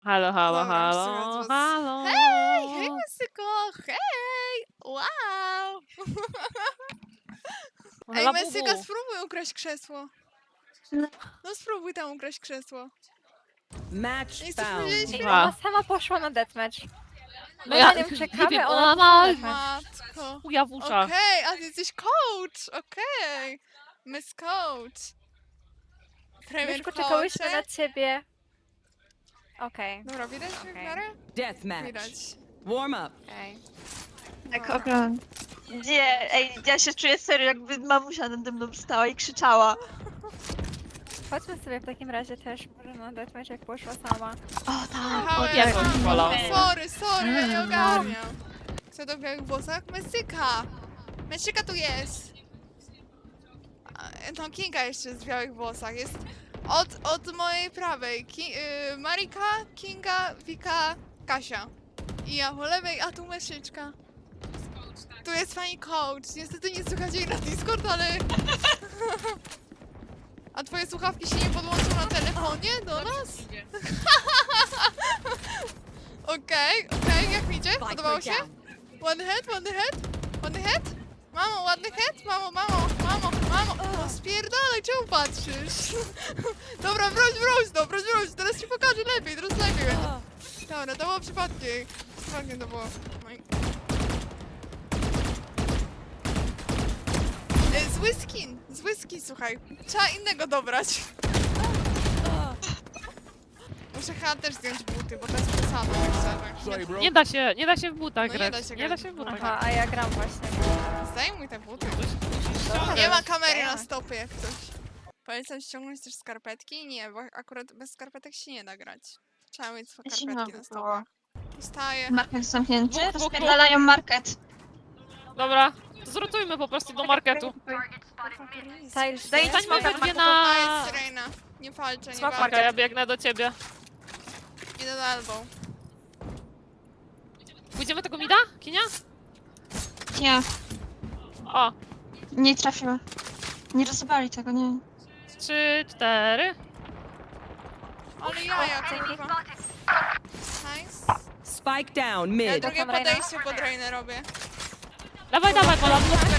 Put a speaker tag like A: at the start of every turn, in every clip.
A: Halo, halo,
B: Dobra,
A: halo,
B: słychać was.
A: halo.
B: Hej, hej Mesyko, hej! Wow! Ej,
A: Labubu.
B: Mesyka, spróbuj ukraść krzesło. No spróbuj tam ukraść krzesło.
C: Match
B: Nie chcesz
C: found.
B: powiedzieć?
D: Ej,
A: Aha.
D: ona sama poszła na deathmatch. My
A: Ja
D: na nią
A: nie
D: czekamy,
A: wiem,
D: ona
A: ona
D: poszła
A: ma-
D: na deathmatch.
B: Matko.
A: Chuja w uszach.
B: Okej, a ty jesteś coach, okej. Miss Coach. Premier
D: Myszko, czekałyśmy
B: coache.
D: na ciebie. Okej,
B: Dobra, widać mnie w
D: Okej.
B: miarę?
C: Deathmatch.
B: Widać.
C: Warm up.
D: okej.
E: Tak, oglądam. Nie, ej, ja się czuję serio, jakby mamusia nade mną stała i krzyczała.
D: Chodźmy sobie w takim razie też może na deathmatch, jak poszła sama.
E: O tak.
B: Jechałem.
A: Ja to wolał.
B: Sorry, ja nie ogarniam. Kto to w białych włosach? Mesyka! Mesyka tu jest! No, Kinga jeszcze jest w białych włosach. Jest od mojej prawej. Marika, Kinga, Wika, Kasia. I ja po lewej, a tu Mesyczka. Tu jest pani coach. Niestety nie słychać jej na Discord, ale... A twoje słuchawki się nie podłączą na telefonie do nas? Okej, jak mi idzie? Podobało się? One head? One head? Mamo, ładny head? Mamo. O, spierdalaj, czemu patrzysz? Dobra, broń, teraz ci pokażę lepiej, teraz lepiej będzie. Dobra, to było przypadkiem. Przypadkiem to było. Zły skin, słuchaj. Trzeba innego dobrać. Muszę chyba też zdjąć buty, bo to jest przesada, szczerze.
A: Nie da się w butach
B: No nie
A: grać.
B: da się
A: Nie da
B: grać
A: się w
B: w
A: butach
D: Aha, a ja gram właśnie.
B: Zdejmuj te buty.
A: grać.
B: Nie ma kamery na stopy jak coś. Polecam ściągnąć też skarpetki? Nie, bo akurat bez skarpetek się nie da grać. Trzeba mieć
E: Zimno
B: skarpetki na
E: by
B: stopach. Wstaję.
E: Market zamknięty,
A: Dwóch,
E: rozpierdalają market.
A: Dobra, to zrotujmy po prostu do marketu.
D: Stylish,
E: Daj
D: nie?
E: smoka
A: Stańmy
E: na
A: gdzie
B: A
A: na...
B: jest Sirena. Nie walczę, nie
E: Smok
B: walczę.
A: Czekaj, ja biegnę do ciebie.
B: Idę do elbow.
A: Pójdziemy tego mida, Kinia?
E: Nie,
A: O,
E: nie trafiła. Nie rozbali tego, nie.
A: 3, 4.
B: Ale jaja, kurwa. Nice.
C: Spike down
B: Ja
C: mid.
B: drugie
D: Tam Reina.
B: podejście pod Rainę robię.
A: Dawaj, Pola.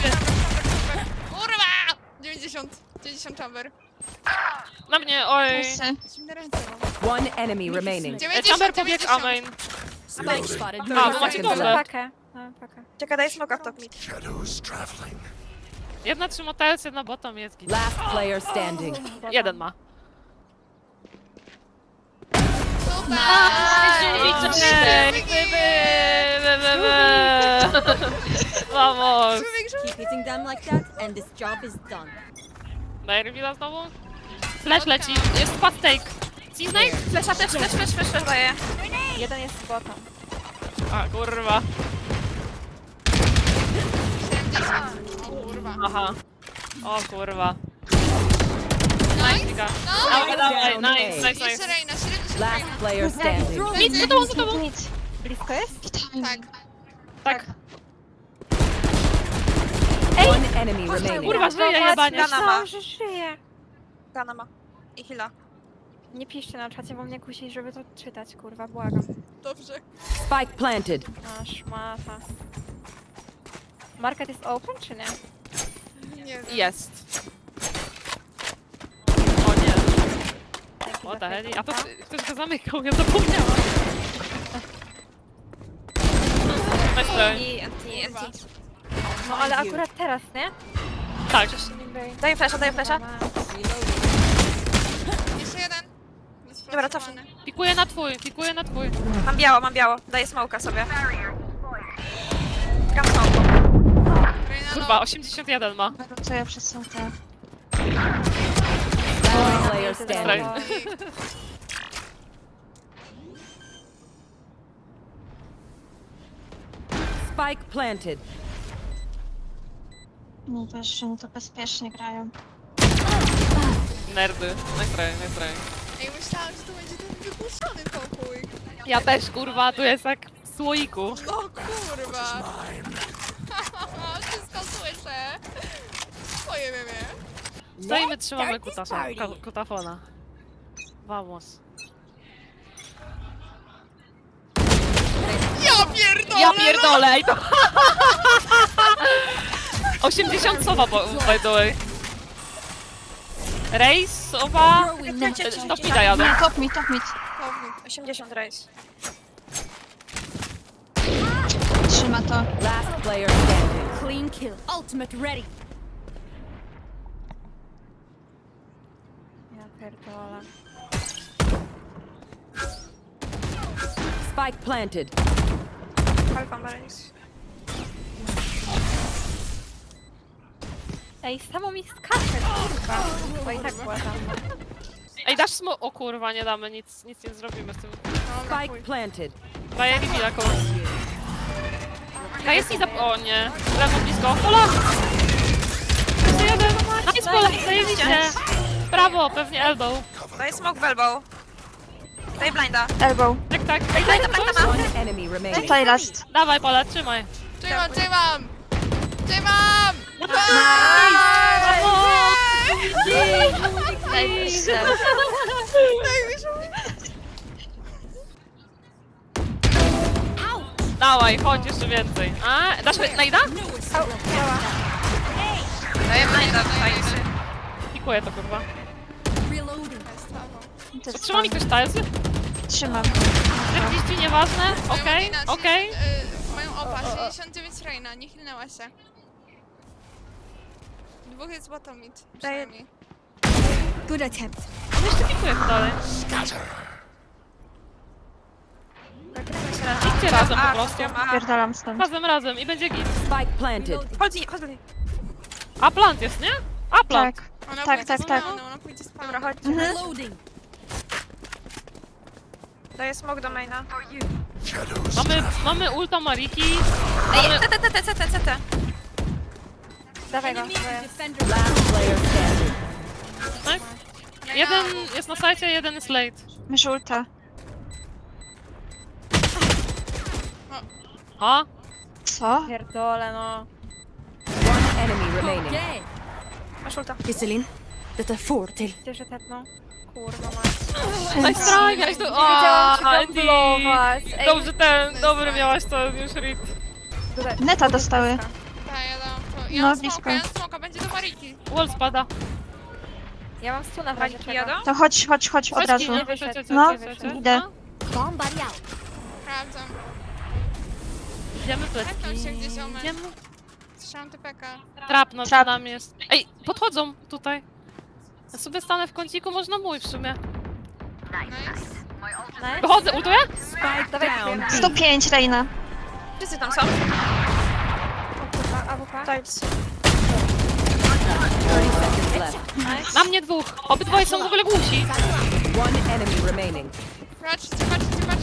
B: Kurwa! 90 chamber.
A: Na mnie, oj.
E: Wszyscy.
B: Zimne ręce mam.
C: One enemy remaining.
B: 90,
A: Chamber pobiegł,
B: 90.
A: amen.
C: Spike spotted.
A: A, bo macie
C: seconds
A: dobre.
C: left.
D: Pakę. No, pakę.
E: Czekaj, daj smoka w top mid.
A: Jedna trzyma TS, jedna bottom jest git.
C: Last player standing.
A: Jeden ma.
B: Super!
A: Vamos!
C: Keep hitting them like that and this job is done.
A: Daj rewila znowu. Flash leci, jest fast take. Cisnake?
E: Flesza, flash daję.
D: Jeden jest z bottom.
A: A, kurwa.
B: 70. O kurwa.
A: Aha. O kurwa.
B: Nice!
A: Nice,
B: No!
A: dawaj,
C: Down
A: nice.
B: Jeszcze Reina, 70
C: Last
B: Reina.
C: player standing.
A: Nic, za tobą, za tobą.
E: Nic.
D: Blisko jest?
B: Tak.
A: Tak.
C: One enemy remaining.
A: Kurwa, żyje jebanie.
D: Myślałam, że żyje.
E: Gana ma. I heala.
D: Nie piszcie na czacie, bo mnie kusi, żeby to czytać, kurwa, błagam.
B: Dobrze.
C: Spike planted.
D: A, szmata. Market jest open, czy nie?
B: Nie wiem.
A: Jest. O nie.
D: Dzięki
A: O
D: za
A: ta heli. A to
D: fejka.
A: ktoś go zamykał, ja zapomniałam. Myślę.
B: Kurwa.
D: No ale akurat teraz, nie?
A: Tak.
E: Daję flasha.
B: Jeszcze jeden.
E: Dobra, cofnij.
A: Pikuję na twój.
E: Mam biało. Daję smoka sobie. Gram smoku.
B: Reina,
A: Kurwa, 81 ma.
E: Rotuję przez są te.
C: Last player standing.
A: Right.
C: Spike planted.
E: No wiesz, że oni to bezpiecznie grają.
A: Nerdy. Nice try.
B: Ej, myślałam, że to będzie ten wypuszczony pokój.
A: Ja też, kurwa, tu jest jak w słoiku.
B: No kurwa. Wszystko słyszę. Twoje meme.
A: Stoimy, trzymamy kutafona. Vamos.
B: pierdolę!
A: Ja pierdolę i to... 80 sowa, by the way. Rejs, sowa... Top mida jadą.
E: Top mid, top mid.
D: 80 race.
E: Trzyma to.
C: Last player standing.
F: Clean kill. Ultimate ready.
D: Ja pierdolę.
C: Spike planted.
D: Alfa ma race. Ej, samo mi skacze, kurwa. Bo i tak była tam.
A: Ej, dasz smo... O kurwa, nie damy, nic nie zrobimy z tym.
C: Spike planted.
A: Daję Rivila kogoś. Jest i za... O nie. Lewo blisko. Pola! Jeszcze jeden. Nice, Pola, zajebiście. Brawo, pewnie elbow.
G: Daj smoke w elbow. Daj blinda.
E: Elbow.
A: Tak, tak. Ej,
G: Daj
A: daj
G: tam,
A: tam
G: daj
A: coś.
G: tam.
C: One enemy remaining.
E: Tutaj last.
A: Dawaj, Pola, trzymaj.
B: Trzymam, trzymam! Trzymam!
A: Brawo!
E: Najwyższe.
A: Dawaj, chodź jeszcze więcej. A, dasz najda?
G: Daję blinda tutaj.
A: Pikuję to kurwa.
F: Reloading.
E: Też
A: Trzyma mi ktoś tazy?
E: Trzymam.
A: 40, nieważne. Okej, okej.
B: Mają opa, 69 Reina, nie chilnęła się. Dwóch jest bottom mid, przynajmniej.
F: Good attempt.
A: On jeszcze pikuje dalej. Idźcie razem po prostu.
E: Pierdalam stąd.
A: Razem i będzie git.
C: Spike planted.
G: Chodź.
A: A plant jest, nie? A plant.
E: Tak.
B: Ona
E: Tak,
B: pójdzie
E: tak,
B: z
E: tak.
B: pełną, ona pójdzie z pełną.
G: Dobra, chodź.
F: Reloading.
G: Daję smoke do maina.
A: Mamy ulta Mariki.
G: Ej, CT.
D: Dawaj go.
F: Defender.
C: Last player standing.
A: Nice. Jeden jest na sajcie, jeden jest late.
E: Mysz ulta.
A: Ha?
E: Co?
D: Pierdolę, no.
C: One enemy remaining.
F: Okay.
G: Masz ulta.
F: Iselin, dette får till.
D: Gdzie się tepnął? Kurwa mać.
A: Nice try, miałeś to...
D: Nie wiedziałam, czy
A: Andy.
D: gamblować. Ej,
A: Dobrze dobry miałaś to już read.
D: tutaj.
E: Neta dostały.
B: Tak, ja dam to. Ja
E: No,
B: mam
E: blisko.
B: smoka, ja mam smoka, będzie do Mariki.
A: Wall spada.
D: Ja mam stuna w razie
G: Mariki
D: czego.
G: jadą?
E: To chodź od razu.
A: Nie
D: wyszedł.
A: wyszedł.
E: No, idę.
F: Bomb buddy out.
B: Sprawdzam.
A: Idziemy
B: Tepnął
A: plecki.
B: się gdzieś omen.
A: Idziemy.
B: Strzałam TPK.
A: Trap no
E: Trap.
A: nam jest. Ej, podchodzą tutaj. Ja sobie stanę w kąciku, można mój w sumie.
B: Nice.
D: Nice.
A: Wychodzę, ultuję?
C: Spike
D: Dawaj,
C: down.
D: Krem.
E: 105 Reina.
G: Wszyscy tam są.
D: AWP.
G: Tiles.
C: 30 seconds left.
A: Na mnie dwóch. Obydwoje są w ogóle głusi.
C: One enemy remaining.
B: Patrzcie.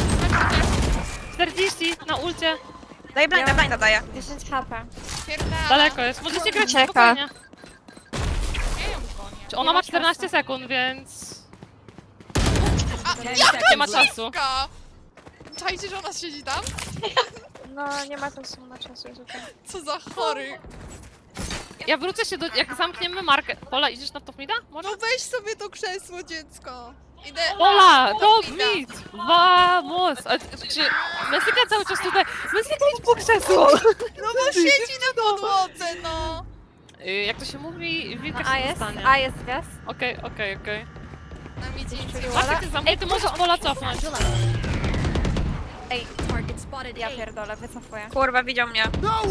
A: 40 na ulcie.
G: Daj blinda daję.
D: 10 HP.
B: Pierdala.
A: Daleko jest. Możecie grać
E: Ucieka.
A: spokojnie.
B: Ja ją gonię.
A: Czy ona ma 14 sekund, więc...
B: A,
A: Nie ma czasu.
B: jaka? Czajcie, że ona siedzi tam?
G: No, nie ma czasu na czasu. Jest okej.
B: Co za chory.
A: Ja wrócę się do... Jak zamkniemy markę... Pola, idziesz na top mida? Może?
B: No weź sobie to krzesło, dziecko. Idę.
A: Pola, top
B: mida.
A: mid! Vamos! A, czy... Mesyka cały czas tutaj... Mesyka idź po krzesło!
B: No bo siedzi na podłodze, no.
A: Jak to się mówi, wilka
D: A
A: się
D: jest,
A: dostanie.
D: a jest gwiazd.
A: Okej.
B: Na midzie nic
A: Marka, ty zamknij, ty możesz Pola cofnąć.
D: Ej,
F: Target spotted.
D: ja pierdolę, wycofuję.
G: Kurwa, widział mnie.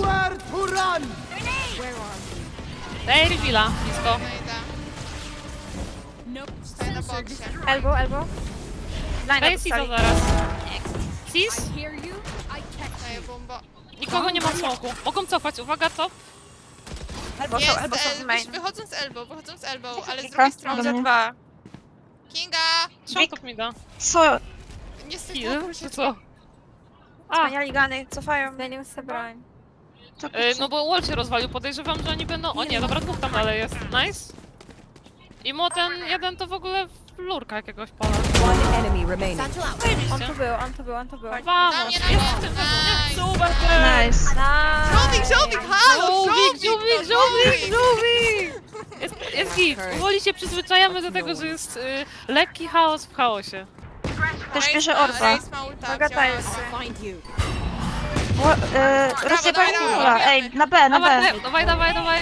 A: Daj reveala, blisko.
B: No idę.
F: Nope.
B: Stoję na boksie.
D: Elbow.
G: Blinda
A: Daj Sizo
G: dostali.
A: zaraz. Sis?
F: Hear you? I catch
B: Daję
F: you.
B: bombo.
A: Nikogo nie ma w smoku. Mogą cofać, uwaga, cop.
G: Elbow
B: Jest,
G: są, elbow są w main.
B: wychodzą z elbow, ale z
E: Kilka.
B: drugiej strony.
E: Dobra.
G: Dwa.
B: Kinga!
A: Trzymaj top mida.
E: Co?
B: Niestety,
A: Kill?
B: proszę
A: Czy co? A,
G: Zmieniali gany, cofają.
D: Zmienił sobie broń.
A: no bo wall się rozwalił, podejrzewam, że oni będą... O nie, dobra, dwóch tam dalej jest. Nice. I mu ten jeden to w ogóle lurka jakiegoś pola.
C: One enemy remaining.
F: Satchel out.
D: On tu był.
B: Na
A: Vamos,
B: mnie,
A: jest
B: na
A: w tym
B: mnie.
A: sezonie.
B: Nice.
A: Super,
E: Nice.
B: Żółwik, halo!
A: Żółwik! Jest git. Powoli się przyzwyczajamy do tego, że jest lekki chaos w chaosie.
E: Też bierze orba.
B: Race ma ulta,
G: Uwaga,
B: wzięła.
G: Tilesy.
F: Find you.
E: Rozjebali
B: dawaj,
E: Mola.
B: dawaj.
E: Ej, na B, na B.
A: Dawaj.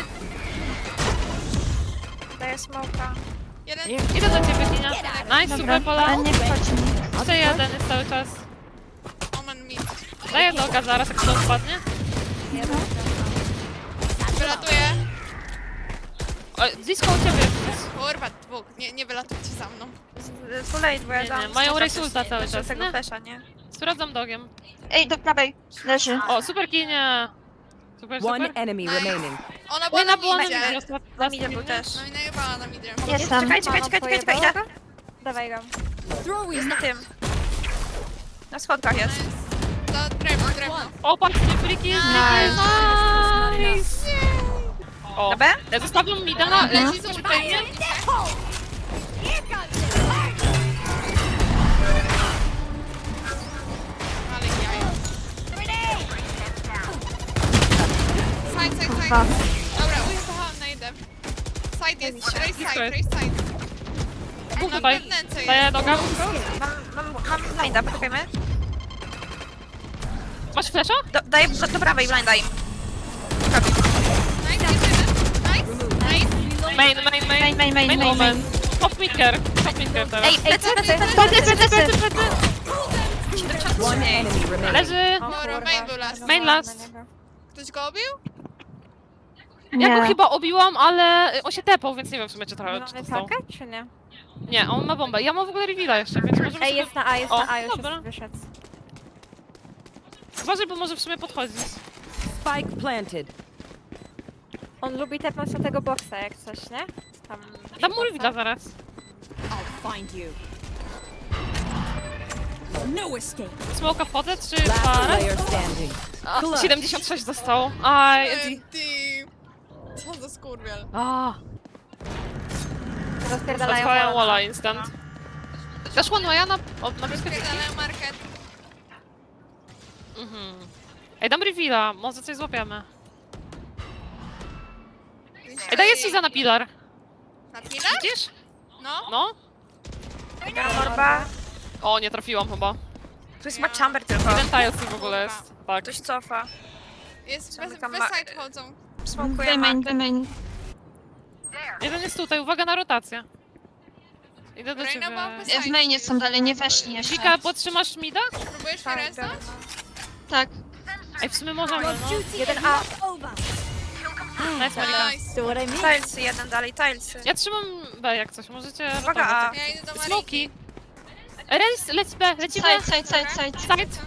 G: Daję smoka.
B: Jeden.
A: Idę do ciebie, Kinia. Nice, super pola.
E: Ale nie wchodź mi.
A: Jeszcze jeden jest cały czas.
B: Omen mi.
A: Daję noga zaraz, jak to spadnie.
B: Wylatuję.
A: O, blisko u ciebie jest.
B: Kurwa, dwóch. Nie wylatujcie za mną.
G: Too late, bo ja
A: Nie,
G: dam.
A: nie, mają Rejsulta cały
G: Jeszcze
A: czas,
G: tego
A: nie?
G: flesza, nie?
A: Sprawdzam dogiem.
E: Ej, do prawej. Leży.
A: O, super Kinia. Super.
C: One enemy remaining.
B: Ona była
A: Ona
B: na
A: była na
B: midzie.
A: midzie.
G: Na midzie był też.
B: No i najebała na midzie.
E: Jestem.
G: Czekaj, idę.
D: Dawaj go.
G: Jest na tym. Na schodkach jest.
B: To drewno.
A: O, patrzcie, friki. Nice. O,
G: Na B?
A: ja zostawiam mi dana.
B: Leci z ultami. Ale jaja. Side. Dobra, ujechałam na jeden. Side jest, race side.
A: Dwóch tutaj.
B: Wewnętrznie jest.
A: Daję noga.
G: Mam blinda, poczekajmy.
A: Masz flesza?
G: Daję do prawej blinda im.
B: Nice, jeszcze jeden. Nice.
A: Main moment. Top midker teraz.
G: Ej, plecy.
C: One enemy remaining.
A: Leży.
B: Dobra, main był last.
A: Main last.
B: Ktoś go obił?
A: Ja go chyba obiłam, ale on się tepał, więc nie wiem w sumie czy trochę czy
D: Mamy
A: dostał.
D: pakę, czy nie?
A: Nie, on ma bombę. Ja mam w ogóle reveala jeszcze, więc możemy
D: Ej,
A: sobie...
D: jest na A, jest
A: O,
D: na A, już
A: dobra.
D: jest wyszedł.
A: Uważaj, bo może w sumie podchodzić.
C: Spike planted.
D: On lubi tepnąć na tego boksa, jak coś, nie? Tam...
A: Dam mu reveala zaraz. Smoka wchodzę, czy
C: Last
A: parę?
C: player standing.
A: A, 76 dostał. Aj, Eddie.
B: Ty. Co za skurwiel.
A: A,
D: Rozpierdalają
A: otwałem
D: walla.
A: walla instant. Też one ja na blisko ciebie.
B: Pierdalają market.
A: Mhm. Ej, dam reveala, może coś złapiemy. Ej, daję ci za na pilar.
B: Na pilar?
A: Widzisz?
B: No.
A: No.
G: Morba.
A: O, nie trafiłam chyba.
G: Tu jest ma chamber tylko.
A: Jeden tilesy w ogóle jest. Tak.
G: Ktoś cofa.
B: Jest bez
G: Tam
B: side chodzą.
G: Smokuję
E: Main.
A: Jeden jest tutaj, uwaga na rotację. Idę do
B: Reina
A: ciebie.
B: była bez side.
E: W mainie są dalej, nie weszli jeszcze.
A: Wika, podtrzymasz mida?
B: Próbujesz mnie reznąć?
E: Tak.
A: Ej, w sumie możemy, no.
D: Jeden A.
A: Nice, Marika.
B: Nice.
G: Tilesy jeden dalej, tilesy.
A: Ja trzymam B jak coś, możecie
G: Uwaga, A.
A: rotować.
B: Ja idę do Mariki.
A: Smoki. Rejs, leci B, lecimy.
E: Side.
A: Side.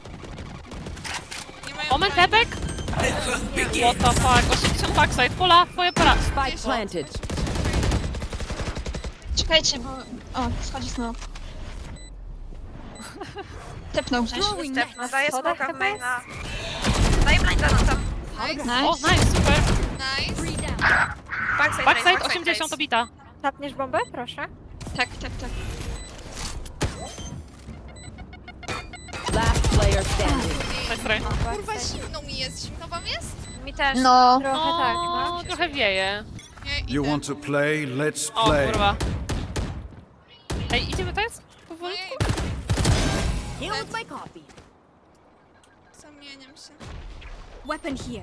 B: Nie mają
A: Omen
B: broni.
A: tepek. What the fuck, 80 backside, pola, twoje pola.
C: Spike planted.
E: Czekajcie, bo... O, schodzi smoke. Tepnął gdzieś.
G: Stefno, daję
D: Schodach
G: smoka w
D: chyba
G: maina. Daję blinda no tam.
A: O,
E: Nice.
A: nice, super.
B: Nice.
A: Backside 80 obita.
D: Tapniesz bombę? Proszę.
E: Tak.
C: Last player standing.
A: Nice try.
B: Kurwa, zimno mi jest. Zimno wam jest?
G: Mi też.
E: No.
D: Trochę tak, no.
A: Trochę wieje.
B: Nie, idę.
H: You want to play? Let's
A: O,
H: play.
A: kurwa. Ej, idziemy teraz? Powoli?
B: Ojej,
F: Here with my copy.
B: zamieniam się.
F: Weapon here.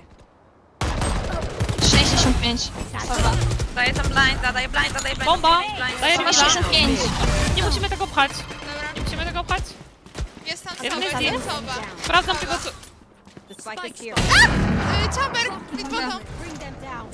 E: 65.
G: Daję tam blinda.
A: Bomba! Daję
E: Chyba
A: reveala.
E: 65.
A: Nie musimy tego pchać.
B: Dobra,
A: Nie musimy tego pchać.
B: jest tam
A: Jeden
B: soba,
A: jest
B: jest tam soba.
A: Sprawdzam tego, co...
C: The spike is here.
B: Chamber, mid bottom.
F: Bring them down.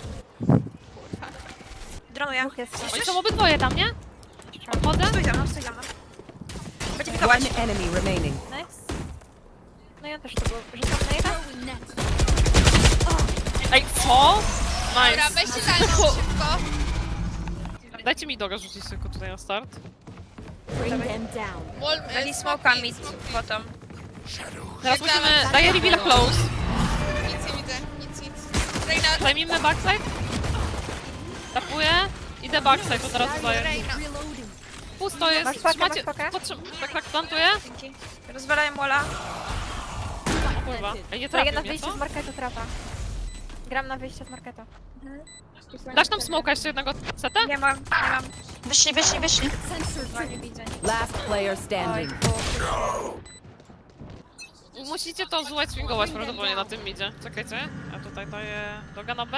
G: Dronuję.
D: Dwóch jest.
A: Oni są obydwoje tam, nie? Odchodzę?
G: Stój za mną. Będzie pikować.
C: One enemy remaining.
D: Nice. No ja też to było. Rzucam na jeden.
F: Throwing net.
A: Ej, co?
B: Dobra,
A: Nice.
B: weźcie za mną szybko.
A: Dajcie mi doga rzucić tylko tutaj na start.
F: Bring them down.
B: Wall,
G: Dali smoka mid bottom.
A: Teraz musimy... Daję reveala close.
B: Nic nie widzę, nic. Reina,
A: Zajmijmy backside. Tapuję. Idę backside, to teraz dodaję.
B: Reina.
F: Reloading.
A: Pusto jest.
D: Masz pakę,
A: Trzymacie...
D: masz pakę?
A: Tak, plantuję.
G: Dzięki. Rozwalają walla.
A: O kurwa. Ej, nie
D: To jeden
A: trafił
D: na
A: mnie,
D: wyjście
A: co?
D: z marketu trapa. Gram na wyjście z marketu.
A: Dasz nam smoka jeszcze jednego seta?
G: Nie mam.
E: Wyszli.
F: Sensor
G: Nie
F: triggered.
G: widzę.
C: Last player standing.
A: musicie to złać swingować prawdopodobnie na tym midzie. Czekajcie, a tutaj daję doga na B.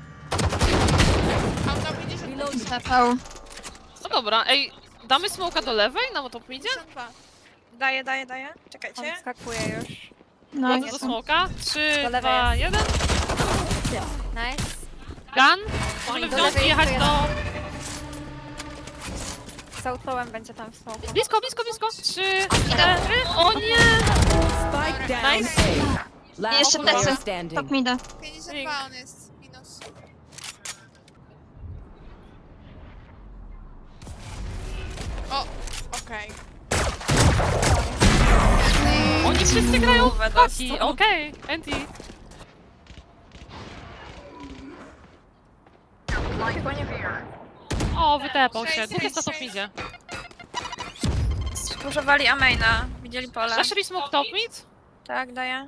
B: Mam na 50.
E: Zapał.
A: No dobra, ej, damy smoka do lewej na top midzie?
B: 52.
G: Daję.
D: On
G: Czekajcie.
D: skakuje już.
E: No,
A: Wchodzę do smoka. 3,
D: Do lewej
A: 2,
D: jest.
A: 1.
D: Nice.
A: Gun. Możemy
D: Do
A: wziąć i
D: lewej
A: jechać
D: jeszcze
A: do...
D: Z autołem będzie tam w smoku.
A: Blisko. 3, 4. O nie!
C: Spike down
A: Nice.
C: A. Last
E: Jeszcze
C: player
E: plecy.
C: standing.
E: Top mida.
B: 52 on jest. Minus. O, okej.
A: Oni wszyscy grają w
G: Głowę
A: paki.
G: dostał.
A: Okej, Anti.
G: Chyba nie wiem.
A: O, wytepał się.
B: Sześć,
A: Dwóch jest na top
B: sześć.
A: midzie.
G: Używali Amaina. Widzieli pole.
A: Zaszli smoke top mid?
G: Tak, daję.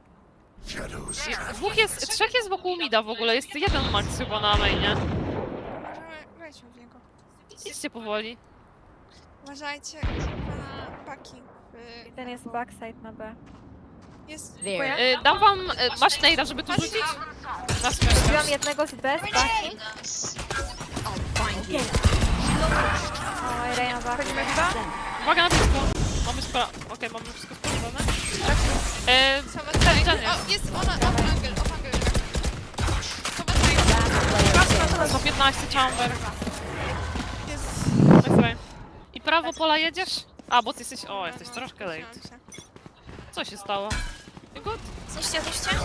A: Trzech jest wokół mida w ogóle. Jest jeden max chyba na mainie.
B: Możemy wejść w niego.
A: Idźcie powoli.
B: Uważajcie na paki.
D: Ten jest backside na B.
B: Jest...
C: There.
A: Dam wam... Masz nejda, żeby tu rzucić? Na
D: Wziąłem
A: smyka.
D: jednego z B, z baki. Oj, Rey na baki.
G: Wchodzimy chyba?
A: Uwaga na blisko. Mamy Okej, mamy wszystko sprawdzone.
B: Sowa
A: Ten,
B: O, jest ona, off angle. Sowa tutaj.
A: Za 15 chamber.
B: Jest...
A: Nice try. I prawo pola jedziesz? A, bo ty jesteś... O, jesteś troszkę late. Co się stało? You good?
G: Zniszcie.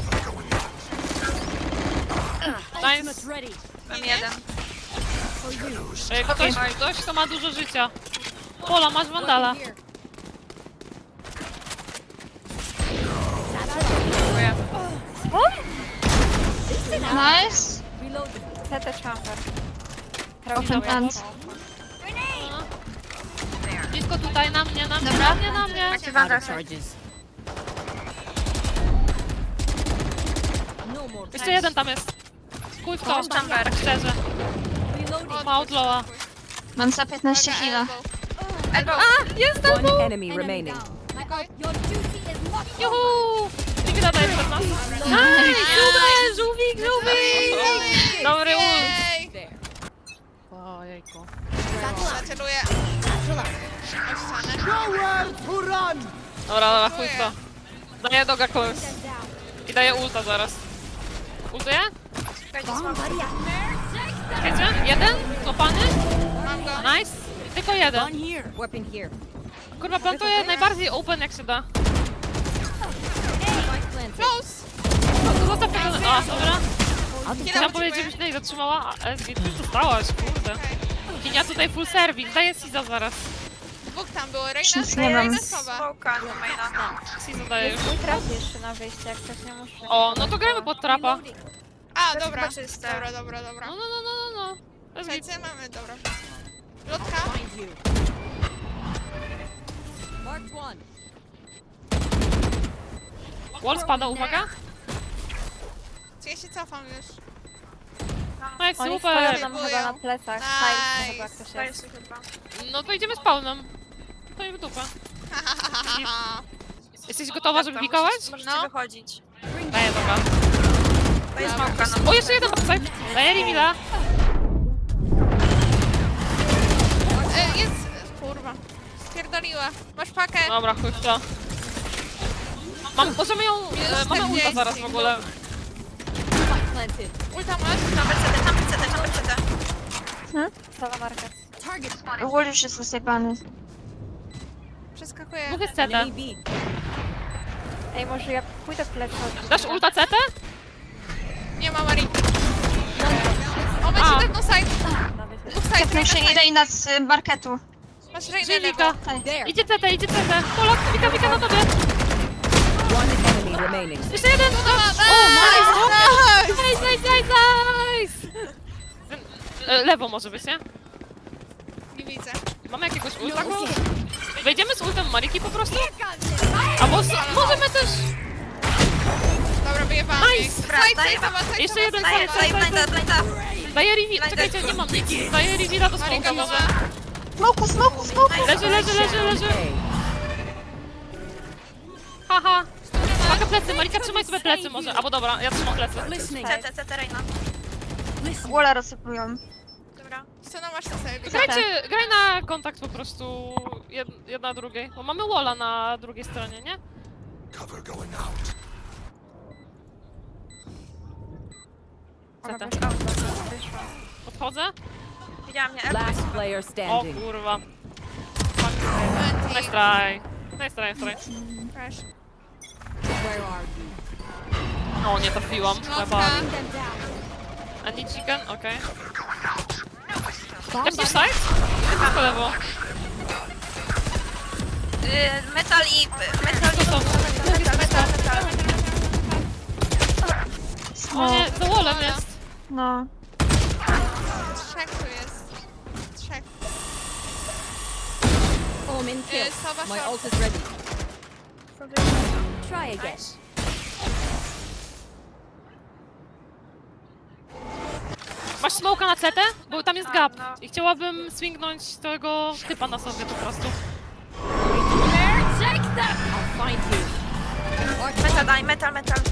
A: Nice.
G: Mam jeden.
A: Ktoś, kto ma dużo życia. Pola, masz wandala.
G: Dziękuję.
E: Nice.
D: CT chamber.
E: Open plant.
A: Blisko tutaj, na mnie.
G: Jaki wandal?
C: Charges. No more.
A: Jeszcze jeden tam jest. Kuj w to,
G: Chamber.
A: tak szczerze. Ma outlawa.
E: Mam za 15 heal'a.
G: Elbow.
C: One enemy remaining.
F: Your duty is not
A: Juhu! Dzięki za daję przed nas. Nice! Żółwik! Dobry ult.
B: Ej!
A: Ojejku.
B: Zaceluję. O ścianę.
A: Dobra, chuj w to. Daję doga kogoś. I daję ulta zaraz. Ultuję?
G: Czekajcie, smoke.
A: Wiecie? Jeden? Klopany?
B: Mam go.
A: Nice. Tylko jeden.
C: Weapon here.
A: Kurwa, plantuję najbardziej open jak się da.
B: Close.
A: Zostaw tego... A, dobra. Chciałam powiedzieć, żebyś nie zatrzymała, a SG, ty dostałaś, kurde. Kinia tutaj full service, daję Siza zaraz.
B: Dwóch tam było.
E: Nic nie mam.
B: Reina Sowa.
G: Smoka do maina.
A: Siza daję już.
D: Jest mój traf jeszcze na wyjście, jak ktoś nie muszę.
A: O, no to gramy pod trapa.
B: A,
G: To
B: dobra.
G: chyba czyste.
B: Dobra.
A: No. SG.
B: Słuchajcie, mamy, dobra. Lotka.
C: Marked one.
A: Wall spada, uwaga.
B: Czy ja się cofam już?
A: Nice,
D: Oni
A: super.
D: stoją nam chyba na plecach.
B: Nice.
D: Nice. Chyba ktoś
G: To
D: jest.
G: jest chyba.
A: No to idziemy spawnem. To i w dupę. Jesteś gotowa, żeby pikować?
G: Możecie
B: No.
G: wychodzić.
A: Daję, dobra.
G: Daję smoka na
A: O, jeszcze jeden backside. Daję reveala.
B: Jest... Kurwa. Spierdoliła. Masz pakę.
A: Dobra, chuj w to. Możemy ją... mamy ulta zaraz w ogóle.
B: Ulta masz?
G: Chamber CT.
D: Stała market.
E: Wall już jest zasypany.
B: Przeskakuję.
A: Dwóch jest CT.
C: Enemy B.
D: Ej, może ja pójdę w plecy.
A: Dasz ulta CT?
B: Nie ma Marii. O, weź
A: A.
B: jeden no side.
D: Nawet jest.
B: Dwóch side.
E: Tepnął się i Reina z marketu.
B: Masz Reinę
A: Żywika.
B: lewo.
C: There.
A: Idzie CT. Polak, wika na tobie.
C: One enemy remaining.
A: Jeszcze jeden. Nice. Lewo może być, nie?
B: Nie widzę.
A: Mamy jakiegoś ulta? Wejdziemy z ultem Mariki po prostu? Albo możemy też...
B: Dobra, wyjebałam
A: Nice.
B: jej.
G: Dobra, daję
B: Side, Sowa,
A: Jeszcze jeden
G: Daję blinda.
A: Daję reveal. Czekajcie, nie mam nic. Daję reveala do smoka może.
E: Smoku.
A: Leży.
C: A.
A: Haha. Uwaga, plecy, Malika, trzymaj sobie plecy może. Albo dobra, ja trzymam plecy.
C: Listening.
G: CT, Reina.
E: Walla rozsypują.
G: Dobra.
B: Scena masz na sobie.
A: Graj na kontakt po prostu jedna drugiej. Bo mamy walla na drugiej stronie, nie?
D: Ona
A: CT.
D: wyszła.
A: Podchodzę?
G: Widziałam mnie.
C: Last player
A: O
C: standing.
A: kurwa. Nice try. Nice try, nice try.
B: Crash.
C: Where are you?
A: O, nie trafiłam. Chyba.
B: Smoka.
A: Any chicken? Okej. Jakiś side? Jest po lewo.
G: Metal i... Metal i...
A: Co to?
G: Metal.
A: O nie, za wallem jest.
E: No.
B: Trzech tu jest. Trzech.
C: Omen kill.
B: Sowa
C: My
B: short.
C: ult is ready. Try again.
A: Masz smoka na CT? Bo tam jest gap.
G: no.
A: I chciałabym swingnąć tego typa na sobie po prostu.
C: I'll find you.
G: Metal, daj, metal.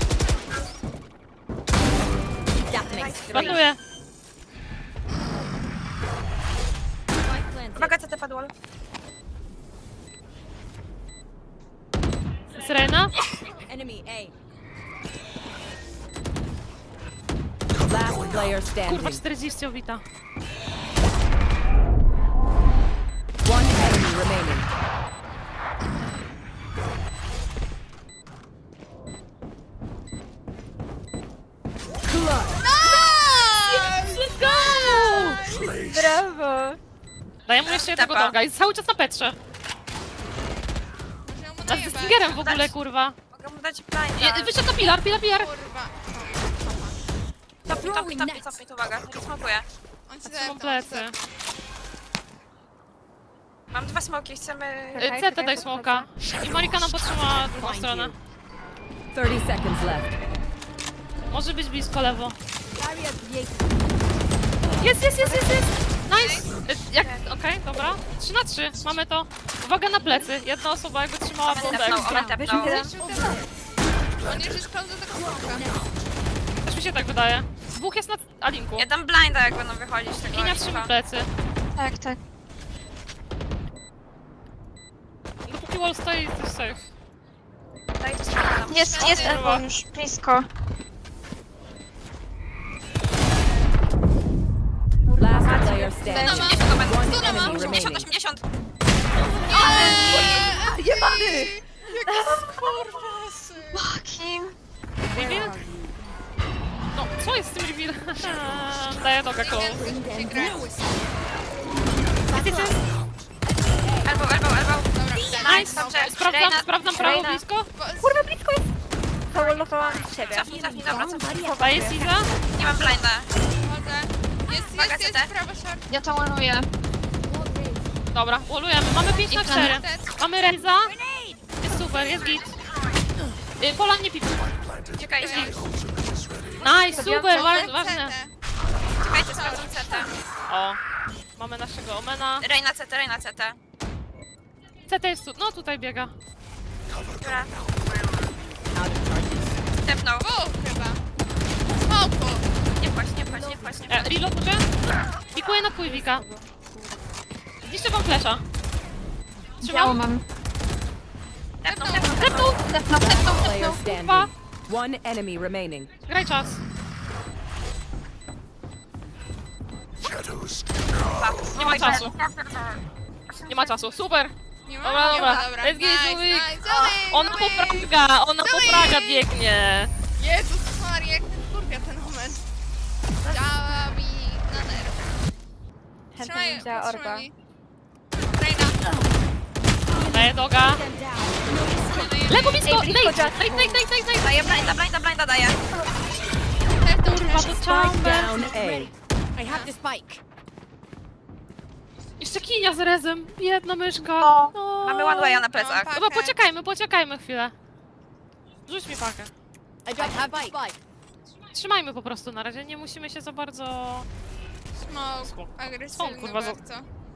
C: That makes three.
A: Plantuję.
C: Spike planted.
G: Uwaga, CT padło.
A: Syrena?
C: Enemy A. Last player
A: Kurwa,
C: standing.
A: 40 obita.
C: One enemy remaining.
A: Let's go!
D: Brawo!
A: Daję mu jeszcze jednego
G: Tepa.
A: doga i cały czas na Petrze.
B: Może ją mu
A: A z
B: najebać.
A: Stingerem w ogóle, kurwa.
G: Mogę mu dać blinda.
A: Wyszedł na pilar.
B: Kurwa.
G: Topi, uwaga. Smokuję.
B: On ci
A: Są
B: zepnął.
A: plecy.
G: Mam 2 smoki, chcemy...
D: Czekaj,
A: CT
D: czekaj,
A: daj smoka. I Marika nam podtrzyma drugą
C: Find
A: stronę.
C: you. 30 seconds left.
A: Może być blisko lewo. Jest! Nice! Okej, dobra. 3 na 3. Mamy to. Uwaga na plecy. Jedna osoba jakby trzymała bombę
G: Tepnął,
A: ekstra.
G: ona tepnął.
B: On już jest pełny do tego smoka.
A: Też mi się tak wydaje. Dwóch jest na Alinku.
G: Ja dam blinda, jak będą wychodzić. Tego
A: Kinia
G: Alinka.
A: trzyma plecy.
E: Tak.
A: Dopóki wall stoi, jesteś safe.
G: Daj to sprawdzam.
E: Jest Elbow już blisko.
C: Last player standing.
G: 80 to będą.
C: One enemy
G: 80,
C: remaining.
G: 80.
B: Jebany! Jaki skurwasy!
E: Kim?
A: Reveal? No, co jest z tym reveal? Daję noga koło.
B: Się gra.
G: Elbow.
B: Dobra,
A: Nice!
G: Dobrze.
A: Sprawdzam prawo
G: Reina.
A: blisko.
D: Kurwa, blisko jest! Zaullowałam siebie.
G: Cofnij, dobra, cofnij.
A: Daję Siza.
G: Nie mam blinda.
B: Chodzę.
G: Uwaga,
B: Jest
G: CT.
B: prawo short.
E: Ja to łanuję.
A: Dobra, wallujemy. Mamy 5 na 4. Mamy Reza. Jest super, jest git. Pola nie pipi.
G: Czekaj,
A: Nice, super, ważne.
G: czekajcie, sprawdzam CT.
A: O, mamy naszego Omena.
G: Reina CT.
A: CT jest tu, no tutaj biega.
G: Dobra. Tepnął.
B: Chyba. Smoku.
G: Nie płać.
A: Reload może? Pikuję na Pujwika. Zniszczę wam flesza. Trzymam.
E: mam.
G: Tepnął.
C: Player standing. One enemy remaining.
A: Graj czas. Nie ma czasu. Nie ma czasu, super.
B: Nie ma?
A: Dobra,
B: Nie ma,
A: dobra. Let's get
B: Nice,
A: Zubik.
B: nice.
A: Ona po fraga biegnie.
B: Jezus Maria, jak ten kurwia ten moment. Działa mi na nerwy.
D: Chętnie bym wzięła orba.
B: Reina.
A: Daję doga. Lewo blisko,
D: Ej, blisko
A: Nate.
D: Jacku.
A: Nate.
G: Daję blinda daję.
A: Kurwa, to
C: Spike
A: chamber.
C: down A.
F: I have the spike.
A: Jeszcze kinia z rezem. Jedna myszka.
E: No.
A: No.
G: Mamy one way'a na plecach.
B: Mam
A: Chyba poczekajmy chwilę. Rzuć mi pakę.
F: I have the spike.
A: Trzymajmy po prostu na razie, nie musimy się za bardzo...
B: Smoke. Agresywny
A: kurwa,
B: bardzo.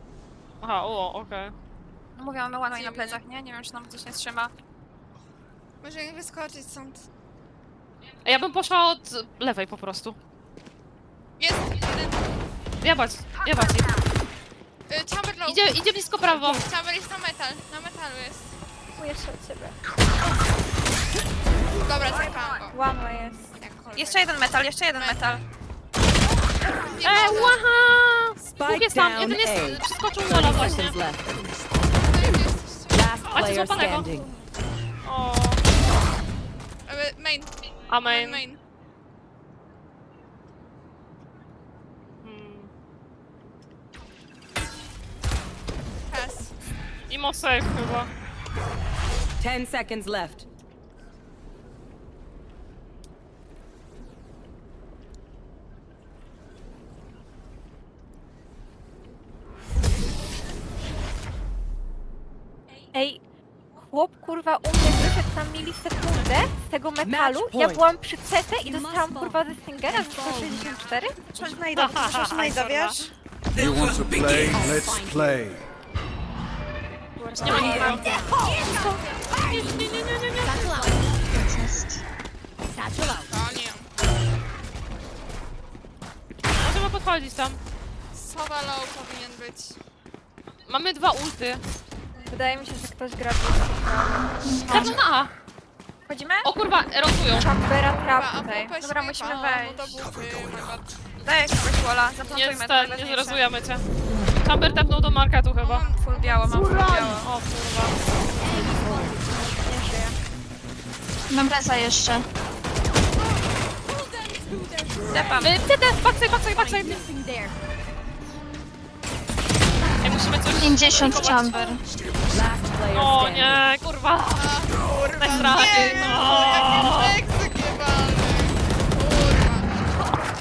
A: Aha, okej.
G: Mówię, mamy one way na plecach, nie? Nie wiem, czy nam coś nie trzyma.
B: Może mi wyskoczyć stąd.
A: Ja bym poszła od lewej po prostu.
B: Jest! Jeden.
A: Jebać ich.
B: Chamber low.
A: Idzie blisko prawo.
B: Chamber jest na metal. Na metalu jest.
D: Jeszcze od ciebie.
B: Dobra, zajebałam go.
D: One way jest.
B: Jakkolwiek.
G: Jeszcze jeden metal, jeszcze jeden metal.
B: Nie mogę.
A: Łaha! Dwóch
C: Spike
A: jest tam,
C: down
A: jeden jest,
C: A.
A: przeskoczył
C: 30
A: mola właśnie.
C: seconds left.
B: No i gdzie jesteście?
C: Last
A: Macie
C: player
A: złapanego.
C: standing.
A: O,
B: Main.
A: amen.
B: Main.
A: Hmm.
B: Pass.
A: Imo safe chyba.
C: 10 seconds left.
D: Ej, chłop kurwa u mnie wyszedł tam milisekundę z tego metalu.
C: Match
D: Ja
C: point.
D: byłam przy CT i dostałam kurwa ze Stingera za 164.
E: Czuć najda, czuć najda, wiesz?
H: You want to play? Let's play.
A: Nie ma nikogo.
F: Satchel out.
E: Jest.
F: Satchel out.
B: O nie.
A: Możemy podchodzić tam.
B: Sowa low powinien być.
A: Mamy 2 ulty.
D: Wydaje mi się, że ktoś gra
A: Dawno na A.
G: Wchodzimy?
A: O kurwa, rotują.
D: Chambera
B: Dobra,
D: trap
B: a
D: tutaj.
B: pupę
G: Dobra,
B: śmiewa,
G: musimy
B: no
G: wejść.
B: to bupy, my bad.
G: Daję kogoś walla,
A: Nie,
G: zaplantujmy to
A: nie
G: najważniejsze.
A: zrozujemy cię. Chamber tepnął do marketu chyba.
G: Full biało, mam full biało.
A: O kurwa.
G: Nie żyję.
E: Mam reza jeszcze.
G: Depam.
A: CT, backside.
F: Missing there.
A: Ej, musimy coś...
E: 50
A: blokować.
E: chamber.
C: Last player
A: O
C: standing.
A: nie, kurwa.
B: Kurwa,
A: Najstraszniej,
B: nie!
A: no.
B: Jaki Meksyk jebany! Kurwa.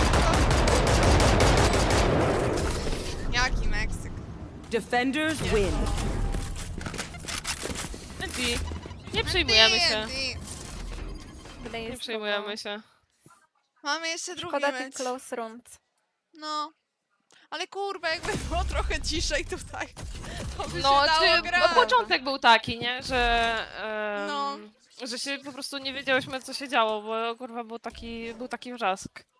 B: Jaki Meksyk?
C: Defenders win.
A: TNT. Nie przejmujemy się.
B: TNT.
D: Wydaje
A: Nie
D: się,
A: przejmujemy się.
B: Mamy jeszcze drugi
D: Szkoda tych
B: mecz.
D: close rund.
B: No. Ale kurwa, jakby było trochę ciszej tutaj, to by
A: No,
B: się dało grać.
A: początek był taki, nie? Że...
B: No.
A: Że się po prostu nie wiedziałyśmy, co się działo, bo kurwa był taki wrzask.